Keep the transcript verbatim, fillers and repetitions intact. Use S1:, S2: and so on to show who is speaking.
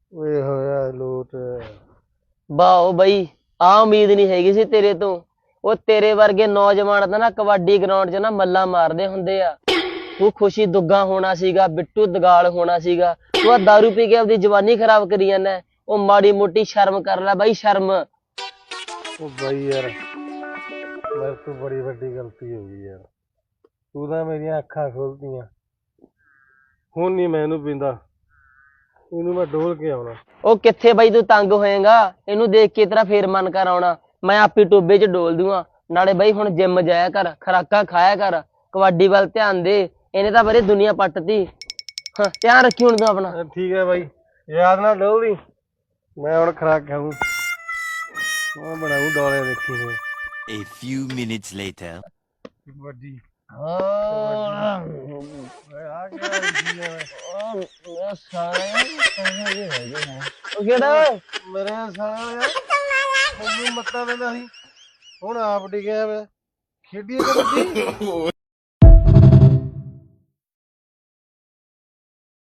S1: ਓਏ ਹੋਇਆ ਲੋਟ
S2: ਵਾਓ ਬਈ, ਆ ਉਮੀਦ ਨਹੀਂ ਹੈਗੀ ਸੀ ਤੇਰੇ ਤੋਂ। ਉਹ ਤੇਰੇ ਵਰਗੇ ਨੌਜਵਾਨ ਤਾਂ ਨਾ ਕਬੱਡੀ ਗਰਾਊਂਡ 'ਚ ਨਾ ਮੱਲਾਂ ਮਾਰਦੇ ਹੁੰਦੇ ਆ। ਤੂੰ ਖੁਸ਼ੀ ਦੁੱਗਾ ਹੋਣਾ ਸੀਗਾ, ਬਿੱਟੂ ਦਗਾਲ ਹੋਣਾ ਸੀਗਾ। ਤੂੰ ਆ ਦਾਰੂ ਪੀ ਕੇ ਆਪਦੀ ਜਵਾਨੀ ਖਰਾਬ ਕਰੀ ਜਾਂਦਾ। ਉਹ ਮਾੜੀ ਮੋਟੀ ਸ਼ਰਮ ਕਰ ਲੈ ਬਾਈ, ਸ਼ਰਮ।
S1: ਉਹ ਬਾਈ ਯਾਰ, ਮੇਰੇ ਤੋਂ ਬੜੀ ਵੱਡੀ ਗਲਤੀ ਹੋ ਗਈ ਯਾਰ। ਤੂੰ ਤਾਂ ਮੇਰੀਆਂ ਅੱਖਾਂ ਖੋਲਤੀਆਂ। ਹੁਣ ਨਹੀਂ ਮੈਂ ਇਹਨੂੰ ਪੀਂਦਾ, ਇਹਨੂੰ ਮੈਂ ਡੋਲ ਕੇ ਆਉਣਾ।
S2: ਉਹ ਕਿੱਥੇ ਬਾਈ ਤੂੰ ਤੰਗ ਹੋਏਗਾ? ਇਹਨੂੰ ਦੇਖ ਕੇ ਤੇਰਾ ਫੇਰ ਮਨ ਕਰ ਆਉਣਾ। ਮੈਂ ਆਪੀ ਟੋਬੇ 'ਚ ਡੋਲ ਦੂੰਗਾ। ਨਾਲੇ ਬਾਈ ਹੁਣ ਜਿੰਮ ਜਾਇਆ ਕਰ, ਖੁਰਾਕਾਂ ਖਾਇਆ ਕਰ, ਕਬੱਡੀ ਵੱਲ ਧਿਆਨ ਦੇ। ਇਹਨੇ ਤਾਂ ਬੜੀ ਦੁਨੀਆ ਪੱਟਤੀ। ਹਾਂ, ਧਿਆਨ ਰੱਖੀ ਹੁਣ ਤੂੰ ਆਪਣਾ।
S1: ਠੀਕ ਹੈ ਬਾਈ, ਯਾਦ ਨਾਲ ਡੋਲਦੀ। ਮੈਂ ਹੁਣ ਖੁਰਾਕ ਖਾਊਂ, ਮੈਂ ਬਣਾਊਂ ਡੋਲੇ ਦੇਖੀ ਹੋਏ।
S3: A few minutes later.
S1: ਵੱਡੀ
S2: ਹਾਂ ਕਿਹੜਾ
S1: ਮੇਰੇ ਸਾਲਾ ਯਾਰ ਮੈਨੂੰ ਮੱਤਾ ਦਿੰਦਾ ਸੀ, ਹੁਣ ਆਪ ਡਿੱਗਿਆ ਵੇ। ਖੇਡੀਏ ਕਬੱਡੀ।